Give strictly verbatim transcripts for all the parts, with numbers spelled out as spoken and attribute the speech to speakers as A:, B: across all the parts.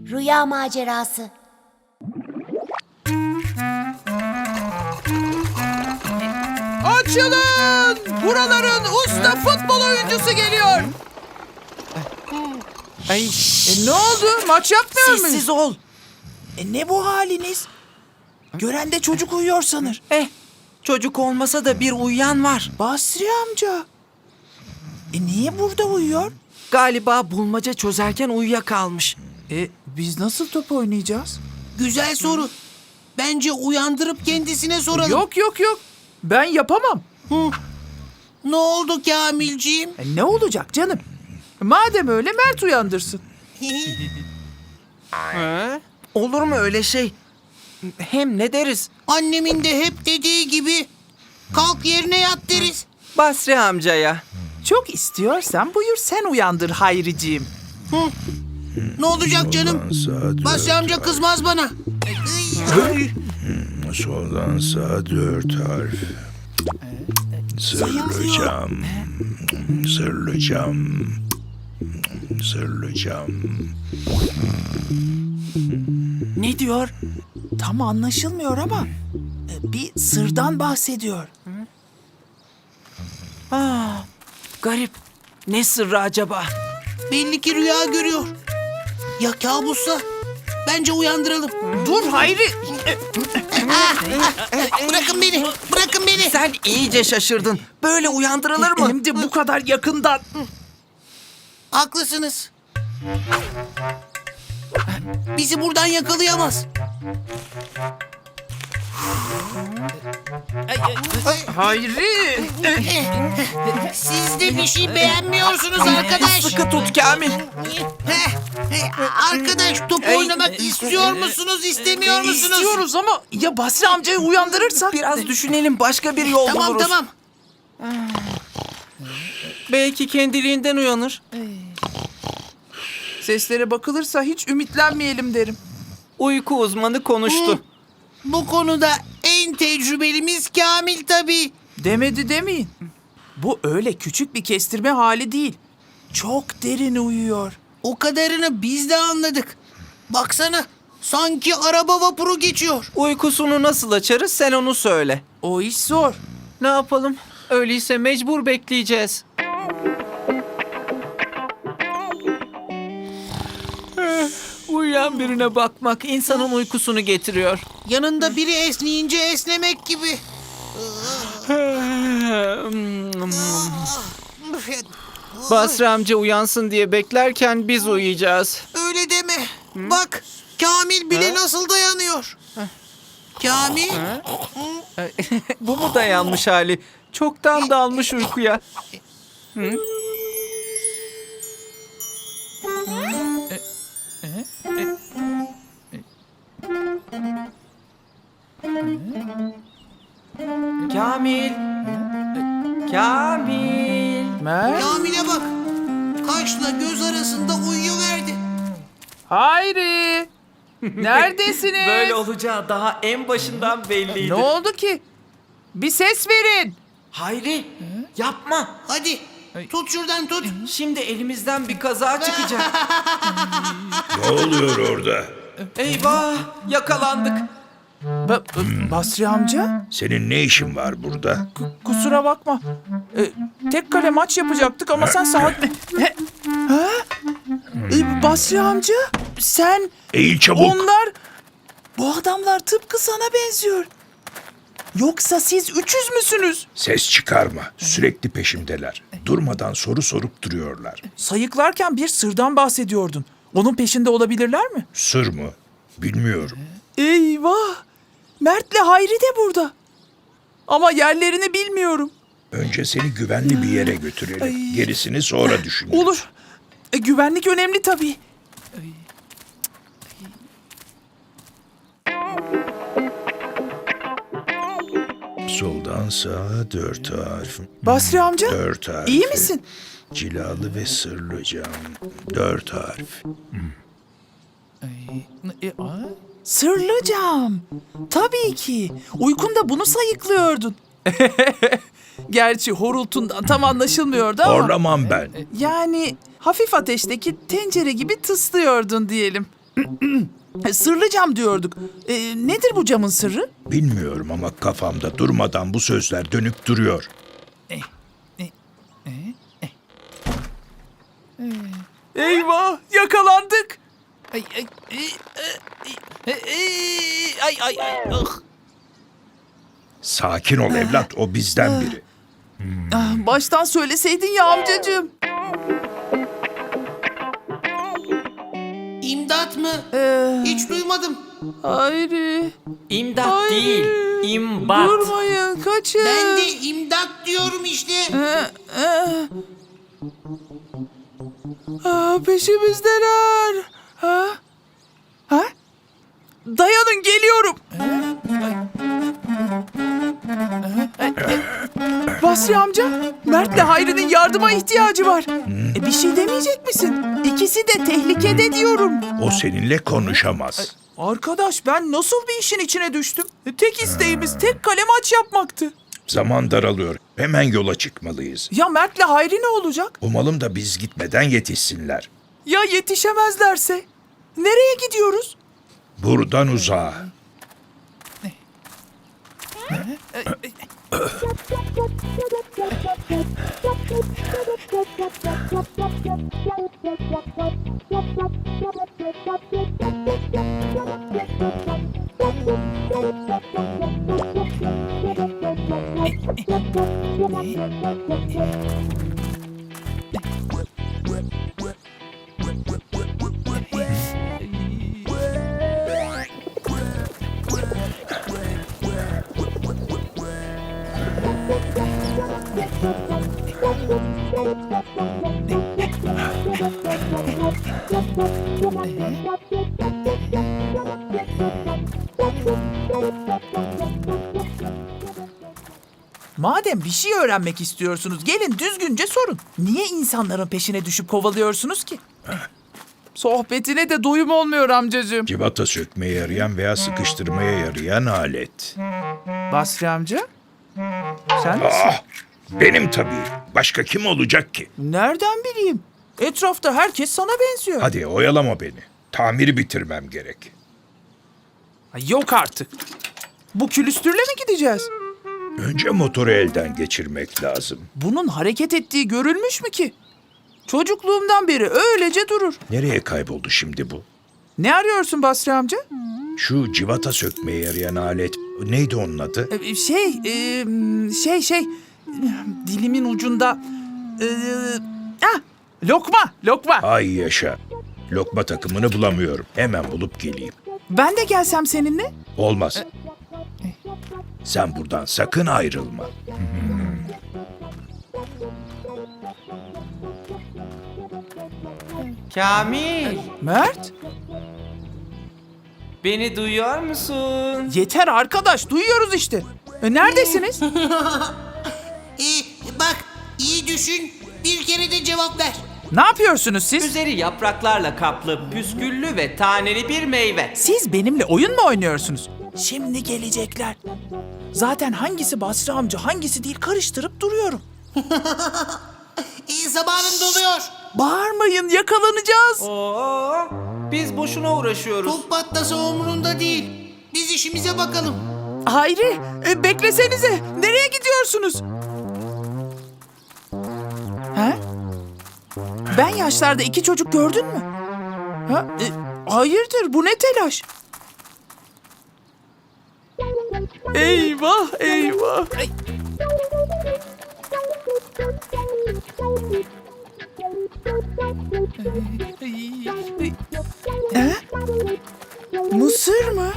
A: Rüya macerası.
B: Açılın! Buraların usta futbol oyuncusu geliyor. Ay, e, ne oldu? Maç yapmıyor muyuz?
C: Sessiz ol. E ne bu haliniz? Gören de çocuk uyuyor sanır.
D: Eh, çocuk olmasa da bir uyuyan var.
C: Basri amca. E niye burada uyuyor?
D: Galiba bulmaca çözerken uyuyakalmış.
C: E biz nasıl top oynayacağız?
E: Güzel soru. Bence uyandırıp kendisine soralım.
B: Yok yok yok. Ben yapamam.
E: Ne oldu Kamilciğim?
B: E, ne olacak canım? Madem öyle Mert uyandırsın.
D: Olur mu öyle şey? Hem ne deriz?
E: Annemin de hep dediği gibi kalk yerine yat deriz.
D: Basri amcaya.
B: Çok istiyorsan buyur sen uyandır Hayriciğim.
E: Ne olacak canım? Basri amca kızmaz bana.
F: Soldan sağa dört harf. Sırlı cam. Sırlı cam. Sırlı cam.
C: Ne diyor? Tam anlaşılmıyor ama e, bir sırdan bahsediyor.
D: Ah, garip. Ne sırrı acaba?
E: Belli ki rüya görüyor. Ya kabussa? Bence uyandıralım.
B: Dur Hayri.
E: Bırakın beni. Bırakın beni.
D: Sen iyice şaşırdın. Böyle uyandırılır mı?
B: Hem de bu kadar yakından.
E: Haklısınız. Bizi buradan yakalayamaz.
B: Hayri.
E: Siz de bir şey beğenmiyorsunuz arkadaş.
D: Sıkı tut Kamil.
E: Arkadaş top oynamak istiyor musunuz, istemiyor musunuz?
B: İstiyoruz ama ya Basri amcayı uyandırırsak?
D: Biraz düşünelim, başka bir yol
E: Tamam
D: buluruz.
E: tamam.
D: Belki kendiliğinden uyanır.
B: Seslere bakılırsa hiç ümitlenmeyelim derim.
D: Uyku uzmanı konuştu.
E: Bu konuda en tecrübelimiz Kamil tabii.
B: Demedi demeyin. Bu öyle küçük bir kestirme hali değil. Çok derin uyuyor.
E: O kadarını biz de anladık. Baksana sanki araba vapuru geçiyor.
D: Uykusunu nasıl açarız sen onu söyle.
B: O iş zor.
D: Ne yapalım? Öyleyse mecbur bekleyeceğiz. Uyuyan birine bakmak insanın uykusunu getiriyor.
E: Yanında biri esneyince esnemek gibi.
D: Basri amca uyansın diye beklerken biz uyuyacağız.
E: Öyle deme. Bak Kamil bile nasıl dayanıyor. Kamil.
D: Bu mu dayanmış hali? Çoktan dalmış uykuya. Kamil. Kamil.
B: Mert.
E: Kamil'e bak. Kaşla göz arasında uyuyuverdi.
B: Hayri. Neredesiniz?
D: Böyle olacağı daha en başından belliydi.
B: Ne oldu ki? Bir ses verin.
D: Hayri, yapma.
E: Hadi tut şuradan tut.
D: Şimdi elimizden bir kaza çıkacak.
F: Ne oluyor orada?
D: Eyvah, yakalandık.
B: Ba- Basri amca?
F: Senin ne işin var burada?
B: Kusura bakma. Ee, tek kale maç yapacaktık ama sen saat... ha? Ee, Basri amca? Sen...
F: Eğil çabuk.
B: Onlar...
C: Bu adamlar tıpkı sana benziyor.
B: Yoksa siz üçüz müsünüz?
F: Ses çıkarma. Sürekli peşimdeler. Durmadan soru sorup duruyorlar.
B: Sayıklarken bir sırdan bahsediyordun. Onun peşinde olabilirler mi?
F: Sır mı? Bilmiyorum.
B: Eyvah! Mert'le Hayri de burada. Ama yerlerini bilmiyorum.
F: Önce seni güvenli bir yere götürelim. Gerisini sonra düşünürüz.
B: Olur. E, güvenlik önemli tabii.
F: Soldan sağa dört harf.
B: Basri amca,
F: Dört harf.
B: iyi misin?
F: Cilalı ve sırlı cam. Dört harf.
B: Sırlı cam. Tabii ki. Uykunda bunu sayıklıyordun. Gerçi horultundan tam anlaşılmıyordu ama...
F: Horlamam ben.
B: Yani hafif ateşteki tencere gibi tıslıyordun diyelim.
C: Sırlı cam diyorduk. E, nedir bu camın sırrı?
F: Bilmiyorum ama kafamda durmadan bu sözler dönüp duruyor.
B: Eyvah, yakalandık.
C: Ay ay ay ay ay ay ay ay.
F: Sakin ol evlat, o bizden biri.
C: Ah, baştan söyleseydin ya amcacığım.
E: İmdat mı?
C: Ee,
E: Hiç duymadım.
C: Hayri.
A: İmdat
C: Hayri.
A: değil, imbat.
C: Durmayın, kaçın.
E: Ben de imdat diyorum işte.
C: Ee, e. Aa, peşimizdeler. Ha? Ha? Dayanın, geliyorum. Basri amca, Mert'le Hayri'nin yardıma ihtiyacı var. E, bir şey demeyecek misin? İkisi de tehlikede diyorum.
F: O seninle konuşamaz.
B: Arkadaş, ben nasıl bir işin içine düştüm? E, Tek isteğimiz tek kale maç yapmaktı.
F: Zaman daralıyor. Hemen yola çıkmalıyız.
B: Ya Mert'le Hayri ne olacak?
F: Umalım da biz gitmeden yetişsinler.
B: Ya yetişemezlerse? Nereye gidiyoruz?
F: Buradan uzağa.
B: Madem bir şey öğrenmek istiyorsunuz, gelin düzgünce sorun. Niye insanların peşine düşüp kovalıyorsunuz ki? Sohbetine de doyum olmuyor amcacığım.
F: Civata sökmeye yarayan veya sıkıştırmaya yarayan alet.
B: Basri amca, sen
F: Ah, benim tabii. Başka kim olacak ki?
B: nereden bileyim? Etrafta herkes sana benziyor.
F: Hadi oyalama beni. Tamiri bitirmem gerek.
B: Ay, yok artık. Bu külüstürle mi gideceğiz?
F: Önce motoru elden geçirmek lazım.
B: Bunun hareket ettiği görülmüş mü ki? Çocukluğumdan beri öylece durur.
F: Nereye kayboldu şimdi bu?
B: Ne arıyorsun Basri amca?
F: Şu civata sökmeye yarayan alet neydi onun adı?
B: Ee, Şey, e, şey, şey, dilimin ucunda. E, ah, lokma, lokma.
F: Ay yaşa. Lokma takımını bulamıyorum. Hemen bulup geleyim.
B: Ben de gelsem seninle.
F: Olmaz. Sen buradan sakın ayrılma.
A: Kamil,
B: Mert,
A: beni duyuyor musun?
B: yeter arkadaş, duyuyoruz işte. E, neredesiniz?
E: Ee, bak iyi düşün. Bir kere de cevap ver.
B: Ne yapıyorsunuz siz?
A: Üzeri yapraklarla kaplı, püsküllü ve taneli bir meyve.
B: Siz benimle oyun mu oynuyorsunuz? Şimdi gelecekler. Zaten hangisi Basri amca, hangisi değil karıştırıp duruyorum.
E: İyi zamanın doluyor.
B: Bağırmayın, yakalanacağız.
A: Oo, biz boşuna uğraşıyoruz.
E: Top patlasa umurunda değil. Biz işimize bakalım.
B: Hayri, e, beklesenize. Nereye gidiyorsunuz? Ha? Ben yaşlarda iki çocuk gördün mü? Ha? E, hayırdır, bu ne telaş? Eyvah, eyvah. Ay. Ha? Mısır mı?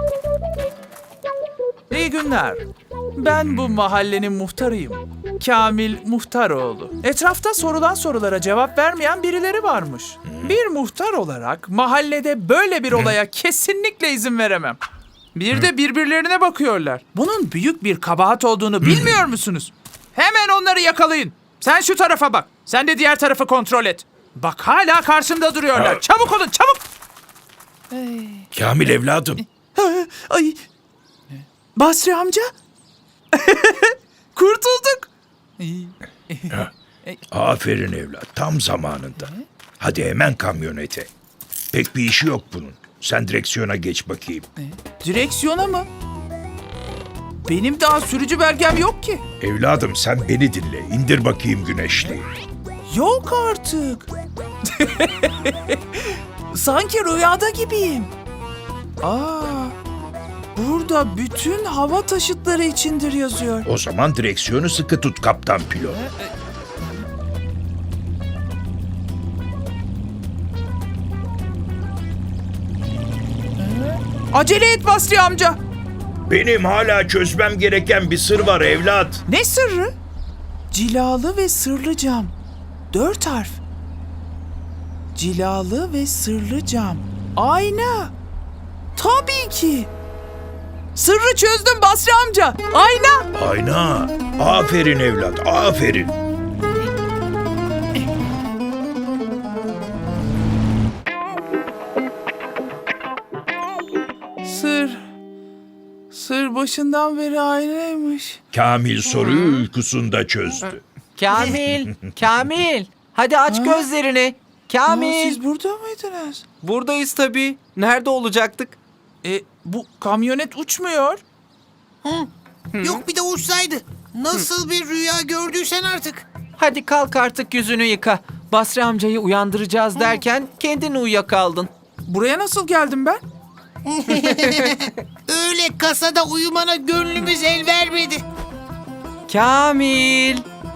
B: İyi günler. Ben bu mahallenin muhtarıyım. Kamil Muhtaroğlu. Etrafta sorulan sorulara cevap vermeyen birileri varmış. Bir muhtar olarak mahallede böyle bir olaya kesinlikle izin veremem. Bir de birbirlerine bakıyorlar. Bunun büyük bir kabahat olduğunu bilmiyor musunuz? Hemen onları yakalayın. Sen şu tarafa bak. Sen de diğer tarafı kontrol et. Bak hala karşımda duruyorlar. Çabuk olun, çabuk.
F: Kamil evladım.
B: Ay. Basri amca. Kurtulduk.
F: Aferin evlat. Tam zamanında. Hadi hemen kamyonete. Pek bir işi yok bunun. Sen direksiyona geç bakayım.
C: Direksiyona mı? Benim daha sürücü belgem yok ki.
F: Evladım sen beni dinle. İndir bakayım güneşliği.
C: Yok artık. Sanki rüyada gibiyim. Aa, burada bütün hava taşıtları içindir yazıyor.
F: O zaman direksiyonu sıkı tut kaptan pilot.
C: Acele et Basri amca.
F: Benim hala çözmem gereken bir sır var evlat.
C: Ne sırrı? Cilalı ve sırlı cam. Dört harf. Cilalı ve sırlı cam. Ayna. Tabii ki. Sırrı çözdüm Basri amca. Ayna.
F: Ayna. Aferin evlat, aferin.
C: Sır. Sır başından beri aynaymış.
F: Kamil soruyu uykusunda çözdü.
D: Kamil, Kamil. Hadi aç gözlerini.
C: Aa,
D: Kamil.
C: siz burada mıydınız?
D: Buradayız tabii. Nerede olacaktık?
B: E, bu kamyonet uçmuyor.
E: Yok bir de uçsaydı. Nasıl bir rüya gördüysen artık.
D: Hadi kalk artık yüzünü yıka. Basri amcayı uyandıracağız derken kendin uyuyakaldın.
B: Buraya nasıl geldim ben?
E: Öyle kasada uyumana gönlümüz el vermedi.
D: Kamil.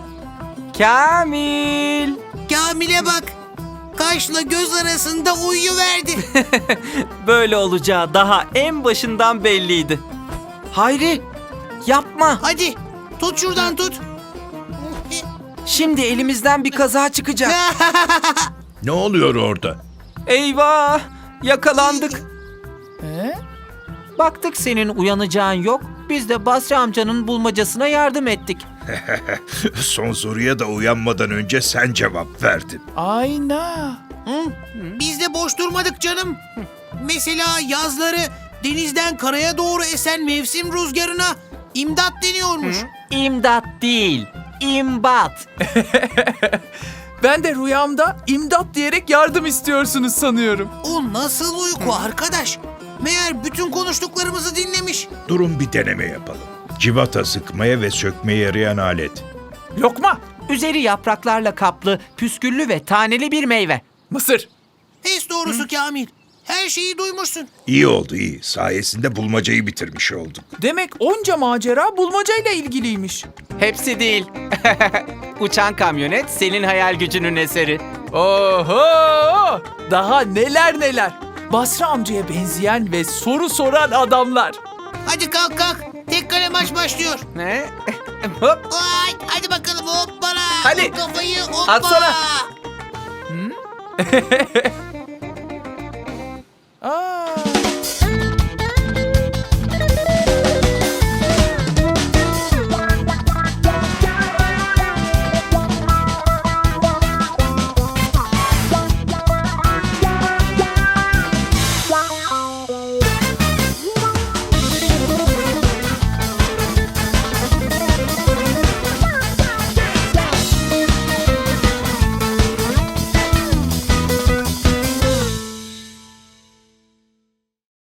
D: Kamil.
E: Kamil'e bak. Kaşla göz arasında uyuverdi.
A: Böyle olacağı daha en başından belliydi.
D: Hayri. Yapma.
E: Hadi tut şuradan tut.
D: Şimdi elimizden bir kaza çıkacak.
F: Ne oluyor orada?
D: Eyvah. Yakalandık.
B: E?
D: Baktık senin uyanacağın yok. Biz de Basri amcanın bulmacasına yardım ettik.
F: Son soruya da uyanmadan önce sen cevap verdin.
B: Ayna.
E: Biz de boş durmadık canım. Mesela yazları denizden karaya doğru esen mevsim rüzgarına imdat deniyormuş.
D: İmdat değil. İmbat.
B: Ben de rüyamda imdat diyerek yardım istiyorsunuz sanıyorum.
E: O nasıl uyku arkadaş? Meğer bütün konuştuklarımızı dinlemiş.
F: Durun bir deneme yapalım. Civata sıkmaya ve sökmeye yarayan alet.
B: Lokma.
D: Üzeri yapraklarla kaplı, püsküllü ve taneli bir meyve.
B: Mısır.
E: Pes doğrusu Kamil. Her şeyi duymuşsun.
F: İyi oldu iyi. Sayesinde bulmacayı bitirmiş olduk.
B: Demek onca macera bulmacayla ilgiliymiş.
D: Hepsi değil. Uçan kamyonet senin hayal gücünün eseri.
B: Oho! Daha neler neler. Basri amcaya benzeyen ve soru soran adamlar.
E: Hadi kalk kalk. Tek kale maç başlıyor.
D: Ne? Hop.
E: Ay, hadi bakalım hoppala.
B: Hadi.
E: Kafayı hoppala.
B: Atsana.